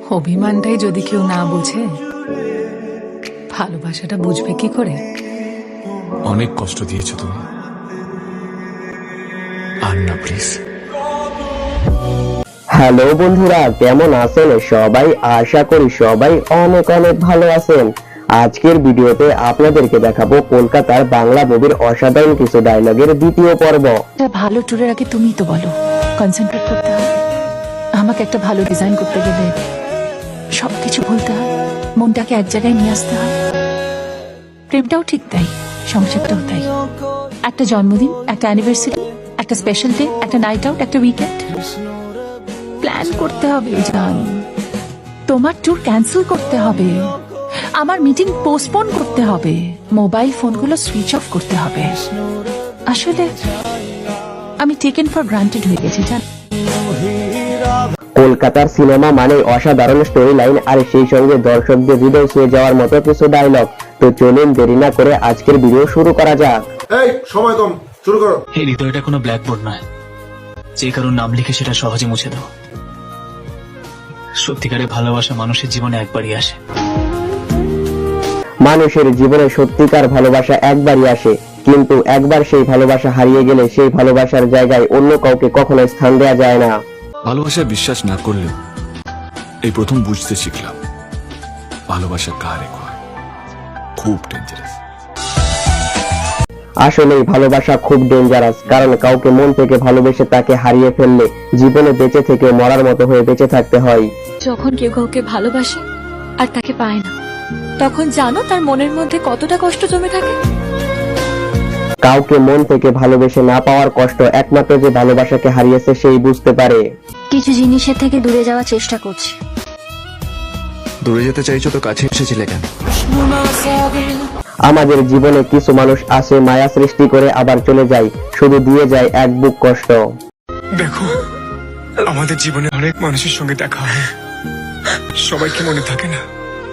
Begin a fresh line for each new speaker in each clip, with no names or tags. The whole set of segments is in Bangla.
অভিমানটাই যদি কেউ না বুঝে, ভালোবাসাটা বুঝবে কি করে?
অনেক কষ্ট দিয়েছো তুমি, আর না প্লিজ।
হ্যালো বন্ধুরা, কেমন আছেন সবাই? আশা করি সবাই অনেক অনেক ভালো আছেন। আজকের ভিডিওতে আপনাদেরকে দেখাবো কলকাতার বাংলা মুভির অসাধারণ কিছু ডায়লগের দ্বিতীয় পর্ব।
ভালো ট্যুরের আগে তুমি তো বলো, কনসেন্ট্রেট করতে হয়। আমাকে একটা ভালো ডিজাইন করতে গেলে সবকিছু ভুলতে হয়, মনটাকে এক জায়গায় নিয়ে আসতে হয়। প্রেমটাও ঠিক তাই, সংসারটাও তাই। একটা জন্মদিন, একটা অ্যানিভার্সারি, একটা স্পেশাল ডে, একটা নাইট আউট, একটা উইকেন্ড প্ল্যান করতে হবে। জান, তোমার ট্যুর ক্যান্সেল করতে হবে, আমার মিটিং পোস্টপোন করতে হবে, মোবাইল ফোনগুলো সুইচ অফ করতে হবে। আসলে আমি টেকেন ফর গ্রান্টেড হয়ে গেছি জান।
কলকাতার সিনেমা মানে অসাধারণ স্টোরি লাইন, আর সেই সঙ্গে দর্শকদের হৃদয় ছুঁয়ে যাওয়ার মতো কিছু ডায়লগ। তো চলুন দেরি না করে আজকের ভিডিও শুরু করা যাক।
এই সময় কম, শুরু করো।
এই হৃদয়টা কোনো ব্ল্যাকবোর্ড নয় যে কারোর নাম লিখে সেটা সহজে মুছে দাও। সত্যিকারে ভালোবাসা মানুষের জীবনে একবারই আসে।
মানুষের জীবনে সত্যিকার ভালোবাসা একবারই আসে, কিন্তু একবার সেই ভালোবাসা হারিয়ে গেলে সেই ভালোবাসার জায়গায় অন্য কাউকে কখনো স্থান দেওয়া যায় না।
ভালোবাসায় বিশ্বাস না করলেও এই প্রথম বুঝতে শিখলাম ভালোবাসা কারে হয়, খুব ডেঞ্জারাস।
আসলেই ভালোবাসা খুব ডেঞ্জারাস, কারণ কাউকে মন থেকে ভালোবেসে তাকে হারিয়ে ফেললে জীবনে বেঁচে থেকে মরার মতো হয়ে বেঁচে থাকতে হয়।
যখন কেউ কাউকে ভালোবাসে আর তাকে পায় না, তখন জানো তার মনের মধ্যে কতটা কষ্ট জমে থাকে।
কাউকে মন থেকে ভালোবেসে না পাওয়ার কষ্ট একমাত্র যে ভালোবাসাকে হারিয়েছে সেই বুঝতে পারে।
কিছু জিনিসের থেকে দূরে যাওয়ার চেষ্টা করছি।
দূরে যেতে চাইছো তো কাছে এসেছিলে কেন?
আমাদের জীবনে কিছু মানুষ আসে, মায়া সৃষ্টি করে আবার চলে যায়, শুধু দিয়ে যায় এক বুক কষ্ট।
দেখো, আমাদের জীবনে অনেক মানুষের সঙ্গে দেখা হয়, সবাইকে মনে থাকে না।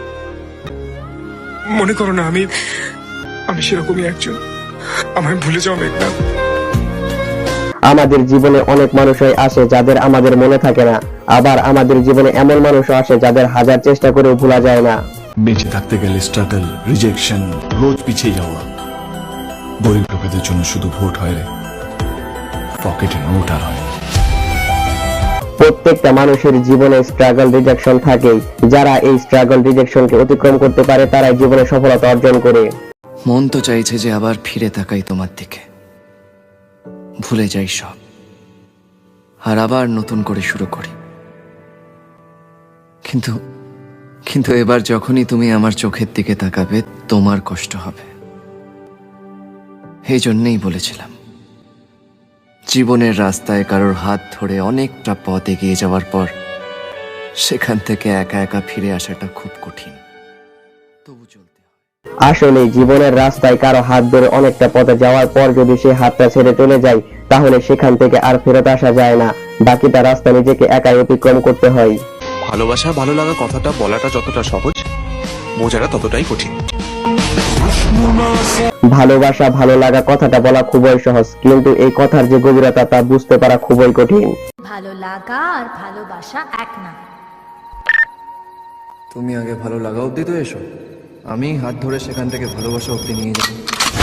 মনে করো না আমি সেরকমই একজন। আমায় ভুলে যাও মেঘনা।
আমাদের জীবনে অনেক মানুষই আসে যাদের আমাদের মনে থাকে না, আবার আমাদের জীবনে এমন মানুষও আসে যাদের হাজার চেষ্টা করেও ভোলা যায় না।
বেঁচে থাকতে গেলে স্ট্রাগল, রিজেকশন, রোজ পিছিয়ে যাওয়া। গরিব লোকেদের জন্য শুধু ভোট হয় রে, পকেটে নোট আর হয়।
প্রত্যেকটা মানুষের জীবনে স্ট্রাগল, রিজেকশন থাকেই। যারা এই স্ট্রাগল, রিজেকশনকে অতিক্রম করতে পারে তারাই জীবনে সফলতা অর্জন করে।
মন তো চাইছে যে আবার ফিরে তাকাই তোমার দিকে, ভুলে যাই সব, আর আবার নতুন করে শুরু করি। কিন্তু এবার যখনই তুমি আমার চোখের দিকে তাকাবে তোমার কষ্ট হবে। এই জন্যেই বলেছিলাম, জীবনের রাস্তায় কারোর হাত ধরে অনেকটা পথ এগিয়ে যাওয়ার পর সেখান থেকে একা একা ফিরে আসাটা খুব কঠিন, তবু চলতে হয়।
আসলে জীবনের রাস্তায় কারো হাত ধরে অনেকটা পথে যাওয়ার পর যদি সে হাতটা ছেড়ে চলে যায়, তাহলে সেখান থেকে আর ফেরত আসা যায় না। বাকিটা রাস্তা নিজেকে একাই অতিক্রম করতে হয়।
ভালোবাসা ভালো লাগা কথাটা বলাটা যতটা সহজ, বোঝাটা ততটাই কঠিন।
ভালোবাসা ভালো লাগা কথাটা বলা খুবই সহজ, কিন্তু এই কথার যে গভীরতা তা বুঝতে পারা খুবই কঠিন।
ভালো লাগা আর ভালোবাসা এক না।
তুমি আগে ভালো লাগা অব্দি তো এসো, আমি হাত ধরে সেখান থেকে ভালোবাসা অব্দি নিয়ে যাবো।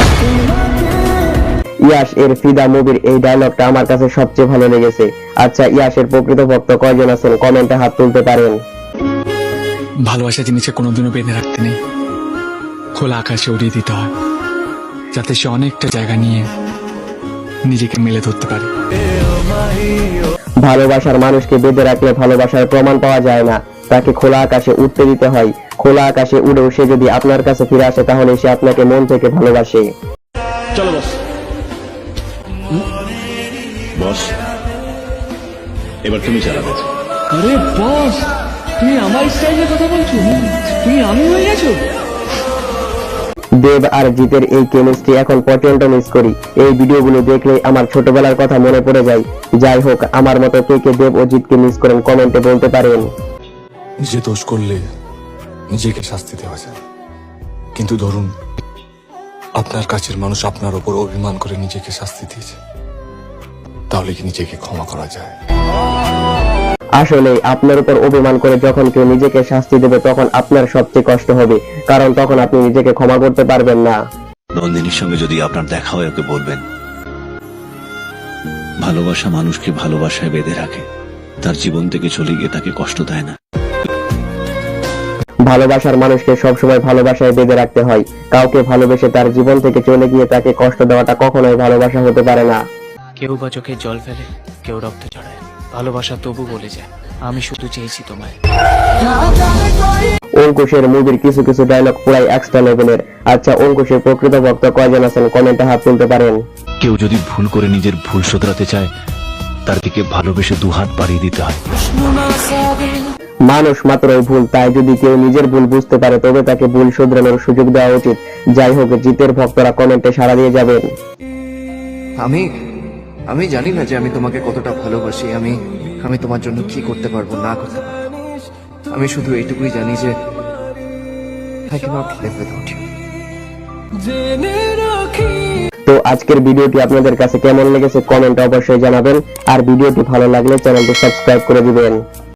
ইয়াশ এর ফিদা মুভির এই ডায়লগটা আমার কাছে সবচেয়ে ভালো লেগেছে। আচ্ছা, ইয়াশের প্রকৃত ভক্ত কয়জন আছেন কমেন্টে হাত তুলতে পারেন।
ভালোবাসা জিনিসকে কোনোদিনও বেঁধে রাখতে নেই, খোলা আকাশে উড়িয়ে দিতে হয়, যাতে সে অনেকটা জায়গা নিয়ে নিজেকে মেলে ধরতে পারে।
ভালোবাসার মানুষকে বেঁধে রাখলে ভালোবাসার প্রমাণ পাওয়া যায় না, তাকে খোলা আকাশে উঠতে দিতে হয়। খোলা আকাশে উড়েও সে যদি আপনার কাছে ফিরে আসে, তাহলে সে আপনাকে মন থেকে ভালোবাসে।
চলো বস। বস, এবার তুমি চালাবে।
আরে বস, তুমি আমার স্টাইলে কথা বলছো? তুমি আমি হয়ে গেছো?
দেব আর জিতের এই কেমিস্ট্রি এখন প্রচন্ড মিস করি। এই ভিডিওগুলো দেখলে আমার ছোটবেলার কথা মনে পড়ে যায়। যাই হোক, আমার মতো কে কে দেব ও জিতকে মিস করেন কমেন্টে বলতে পারেন।
নিজে দোষ করলে নিজেকে শাস্তি দেওয়া যায়, কিন্তু ধরুন আপনার কাছের মানুষ আপনার উপর অভিমান করে নিজেকে শাস্তি দিয়েছে, তাহলে কি নিজেকে ক্ষমা করা যায়?
আসলে আপনার উপর অভিমান করে যখন কেউ নিজেকে শাস্তি দেবে তখন আপনার সবচেয়ে কষ্ট হবে, কারণ তখন আপনি নিজেকে ক্ষমা করতে পারবেন না।
নন্দিনীর সঙ্গে যদি আপনার দেখা হয় ওকে বলবেন, ভালোবাসা মানুষকে ভালোবাসায় বেঁধে রাখে, তার জীবন থেকে চলে গিয়ে তাকে কষ্ট দেয় না।
ভালোবাসার মানুষকে সবসময় ভালোবাসায় বেঁধে রাখতে হয়। কাউকে ভালোবেসে তার জীবন থেকে চলে গিয়ে তাকে কষ্ট দেওয়াটা কখনোই ভালোবাসা হতে পারে না।
কেউ বা চোখে জল ফেলে, কেউ রক্ত চড়ায়, ভালোবাসা তবু বলে যায় আমি শুধু চেয়েছি তোমায়।
অঙ্কুশের মুভির কিছু কিছু ডায়লগ পুরাই এক্সট্রা লেভেলের। আচ্ছা, অঙ্কুশের প্রকৃত ভক্ত কয়জন আছেন কমেন্টে হাত তুলতে পারেন।
কেউ যদি ভুল করে নিজের ভুল শোধরাতে চায়, তার দিকে ভালোবেসে দুহাত বাড়িয়ে দিতে হয়।
মানুষ মাত্রই ভুল, তাই যদি কেউ নিজের ভুল বুঝতে পারে তবে তাকে ভুল শুধরানোর সুযোগ দেওয়া উচিত। যাই হোক, জিতের ভক্তরা কমেন্টে সাড়া দিয়ে যাবেন।
আমি জানি না যে আমি তোমাকে কতটা ভালোবাসি, আমি তোমার জন্য কি করতে পারবো না করতে পারবো। আমি শুধু এইটুকুই জানি যে I cannot live without you.
তো আজকের ভিডিওটি আপনাদের কাছে কেমন লেগেছে কমেন্টে অবশ্যই জানাবেন, আর ভিডিওটি ভালো লাগলে চ্যানেলটি সাবস্ক্রাইব করে দিবেন।